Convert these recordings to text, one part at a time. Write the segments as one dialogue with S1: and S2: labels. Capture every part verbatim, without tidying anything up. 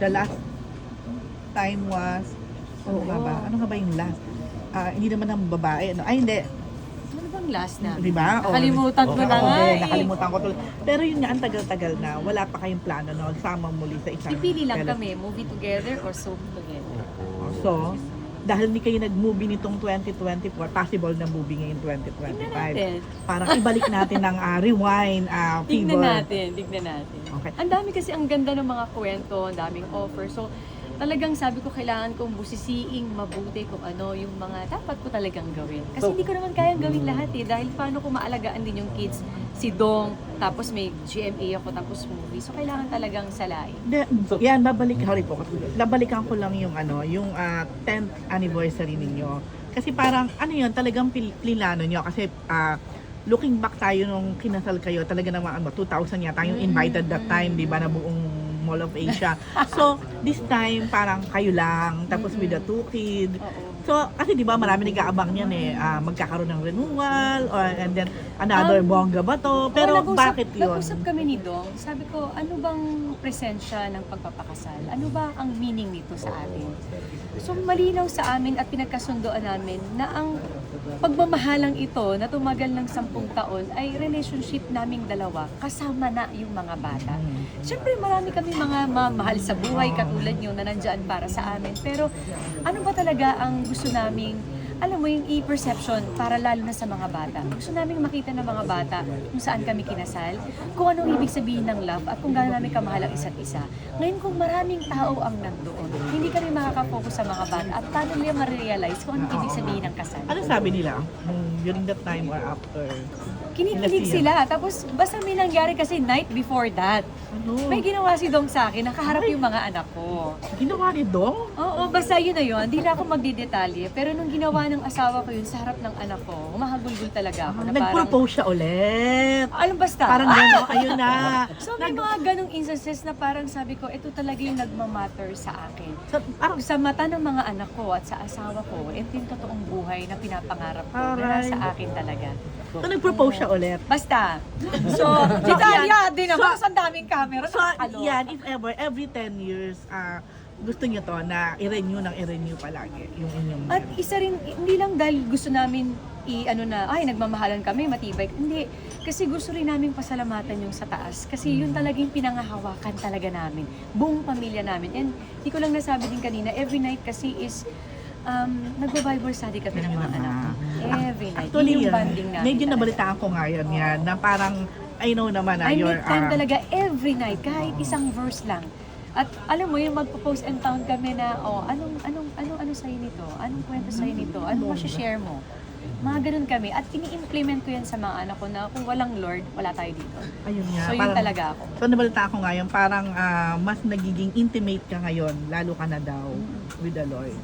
S1: the last time was, oo nga ba? Ano nga ba yung last? Ah, hindi naman ng babae, ano? Ay, hindi.
S2: Ano bang last na?
S1: Di ba? O,
S2: Nakalimutan ko
S1: oo,
S2: na
S1: ako
S2: nga
S1: din,
S2: eh.
S1: nakalimutan ko tuloy. Pero yun nga, ang tagal-tagal na, wala pa kayong plano na sama muli sa isang
S2: Pipili lang
S1: tele-
S2: kami, movie together or soap together.
S1: So, dahil hindi kayo nag-movie nitong twenty twenty-four, possible na movie ngayon twenty
S2: Tignan
S1: twenty-five.
S2: natin.
S1: Parang ibalik natin ng ah, rewind, ah,
S2: Tignan
S1: fever.
S2: natin, tignan natin.
S1: Okay.
S2: Ang dami kasi, ang ganda ng mga kwento, ang daming offer. So, talagang sabi ko, kailangan kong busisiing mabuti kung ano yung mga dapat ko talagang gawin. Kasi
S3: So-
S2: hindi ko naman kayang gawin lahat eh. Dahil paano ko maalagaan din yung kids, si Dong, tapos may G M A ako, tapos movie. So, kailangan talagang salain.
S1: De, yan, babalik, sorry po, babalikan ko lang yung ano, yung ah, tenth anniversary ninyo. Kasi parang, ano yun, talagang pil- plinano nyo. Kasi, ah, looking back tayo nung kinasal kayo, talaga naman, ano, two thousand yata, yung invited that time, di ba, na buong Mall of Asia. So, this time, parang kayo lang, tapos with the two kids.
S2: Oo.
S1: So, kasi di ba marami nag-aabang yan eh, ah, magkakaroon ng renewal, or, and then another
S2: Um,
S1: bongga ba to? Pero
S2: Oo, nag-usap-
S1: bakit yun?
S2: Nag-usap kami ni Dong. Sabi ko, ano bang presensya ng pagpapakasal? Ano ba ang meaning nito sa atin? So malinaw sa amin at pinagkasundoan namin na ang pagmamahalang ito na tumagal ng sampung taon ay relationship naming dalawa kasama na yung mga bata. Siyempre marami kami mga mamahal sa buhay katulad nyo na nandyan para sa amin. Pero ano ba talaga ang gusto naming, alam mo yung e-perception para lalo na sa mga bata. Gusto naming makita ng mga bata kung saan kami kinasal, kung anong ibig sabihin ng love at kung gaano namin kamahal ang isa't isa. Ngayon kung maraming tao ang nandoon, hindi kami makaka-focus sa mga bata at paano nila ma-realize kung anong ibig sabihin ng kasal.
S1: Ano sabi nila mm, during that time or after?
S2: Kinikilig
S1: Sila
S2: sila. Tapos basta may nangyari kasi night before that.
S1: Ano?
S2: May ginawa si Dong sa akin, nakaharap yung mga anak ko.
S1: Ginawa ni Dong?
S2: Oo, basta yun na yun. Hindi na ako magdidetalye. Pero nung ginawa ng asawa ko yun sa harap ng anak ko, humahagulgul talaga ako na parang...
S1: Nag-propose siya ulit.
S2: Alam basta.
S1: Parang gano'n, ayun na.
S2: So may mga ganong instances na parang sabi ko, ito talaga yung nagmamatter sa akin.
S1: So, parang,
S2: Sa mata ng mga anak ko at sa asawa ko, ito yung totoong buhay na pinapangarap ko na
S1: Alright.
S2: nasa akin talaga.
S1: so nag-propose siya ulit.
S2: Basta. So, detalya din naman. So, ang daming camera.
S1: So,
S2: nakakaloka.
S1: yan, if ever, every ten years, ah, gusto niyo to na i-renew ng i-renew palagi yung inyong
S2: At isa rin, hindi lang dahil gusto namin i ano na, ay nagmamahalan kami, matibay. Hindi, kasi gusto rin namin pasalamatan yung sa taas. Kasi yun talagang pinangahawakan talaga namin. Buong pamilya namin. And di ko lang nasabi din kanina, every night kasi is um, nagbo-Bible study kami ng mga anak ko. Every night.
S1: Actually,
S2: Yun yung
S1: yan,
S2: bonding namin
S1: medyo
S2: talaga.
S1: nabalitaan ko ngayon yan, na parang, I know naman na
S2: I
S1: you're,
S2: make time
S1: ah,
S2: talaga every night, kahit isang verse lang. At alam mo, yung magpo-post and town kami na, oh, anong, anong, anong, ano sa'yo nito? Anong kwento sa'yo nito? Anong share mo? Mga ganun kami. At ini-implement ko yan sa mga anak ko na kung walang Lord, wala tayo dito.
S1: ayun nga.
S2: So yun
S1: parang-
S2: talaga ako.
S1: So nabalitaan ko ngayon, parang ah, mas nagiging intimate ka ngayon, lalo ka na daw with the Lord.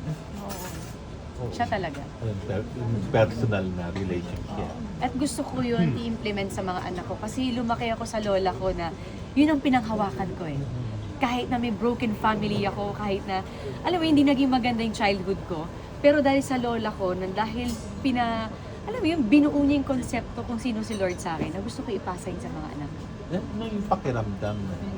S2: Oo. Siya talaga.
S3: Yung personal na relationship.
S2: At gusto ko yun i-implement sa mga anak ko. Kasi lumaki ako sa lola ko na yun ang pinanghawakan ko eh. Kahit na may broken family ako, kahit na, alam mo, hindi naging maganda yung childhood ko. Pero dahil sa lola ko, na dahil pina, alam mo yun, binuo niya yung konsepto kung sino si Lord sa akin, na gusto ko ipasa yun sa mga anak ko.
S3: Ano yung pakiramdam na